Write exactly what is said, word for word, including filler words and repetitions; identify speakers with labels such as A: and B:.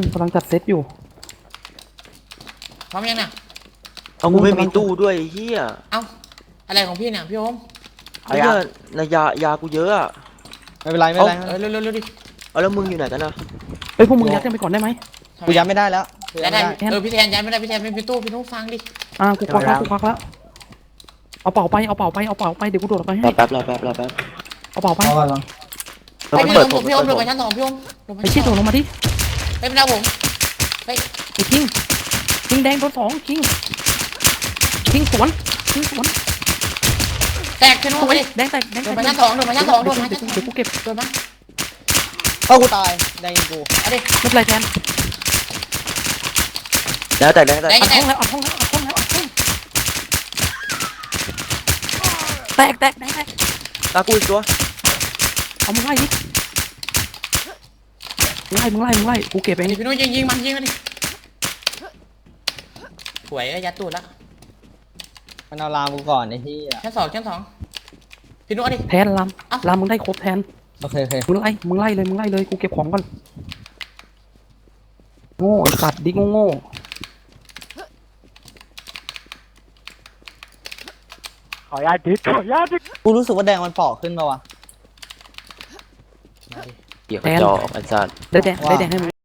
A: กำลังจัดเซตอยู่
B: พร้อมยังเนี่ย
C: เอากูไม่มีตู้ด้วยเฮีย
B: เอ้าอะไรของพี่เนี่ยพี่โอม
C: ไอ้เหี้ยนายายากูเยอะอะ
D: ไม่เป็นไรไม่เป็นไร
B: เออเร็วเร็วเร็วดิ
C: เอาแล้วมึงอยู่ไหนกันนะ
A: เฮ้ยพวกมึงยัดกันไปก่อนได้ไหม
D: กูยัดไม่ได้แล้ว
B: ยัดได้เออพี่แทนยัดไม่ได้พี่แทนไม่มีตู้พี่นุ๊กฟังดิ
A: อ่ากูควักแล้วกูควักแล้วเอาเป่าไปเอาเป่าไปเอาเป่าไปเดี๋ยวกูโดดไปให้
C: รอแป๊บรอแป๊บรอแป๊บ
A: เอาเป่าไป
C: เออ
B: ไอ้
C: มัน
B: พี่
C: เปิ
B: โอ
C: ด
B: ม
C: ผม
B: พี่โอมล
C: เปิด
B: ง
C: ผม
B: มาชั้นสองพี่โอมลงมา
A: ไอ้ชี้โดดลงมาดิ
B: ไอ้เป็นดาวผมไอ้
A: ไอ้คิงคิงแดงโดนสองคิงคิงสวนคิงสวน
B: แตกพี่นุ๊กไปดิ
A: แดงแตกแดง
B: โด
A: แต
B: น
A: ก
B: มาชั้นสองโดนมาชั้นสองโดนมาชั้นสอง
A: เดี๋ยวกูเก็บ
B: โดนมา
D: เอ้ากูตายได้ยิงกู
B: เอาดิ
A: ไม่เป็นไรแทน
C: แล้วแต่แล้วแต่
B: แตก
A: อัด
B: แต
A: ห้อก งแล้วอัดห้องแล้วอัดห้องแล้วอัดห้องแตกแตกแดงแตก
C: ตากูอีกตัว
A: เอามึงไล่ดิมึงไล่มึงไล่มึงไล่กูเก็บเอง
B: พี่นุ๊กยิงยิงมันยิงมันดิหวยยัดตูดละ
D: มันเอาลามกูก่อนไอ้ที่อ่ะ
B: ชั้นสองชั้นสองพี่นุ๊กดิ
A: แทนลำลำมึงได้ครบแทน
D: โอเคโอเค
A: มึงไล่มึงไล่เลยมึงไล่เลยกูเก็บของก่อนโง่ไอ้สัตว์ดิโง่โง่
C: ขออนุญาตดิขออนุญาตดิ
D: กูรู้สึกว่าแดงมันเปาะขึ้นมาวะ
C: เกี่ยวกับจอไอ้สัตว์
A: ได้แดงได้แดงให้มึง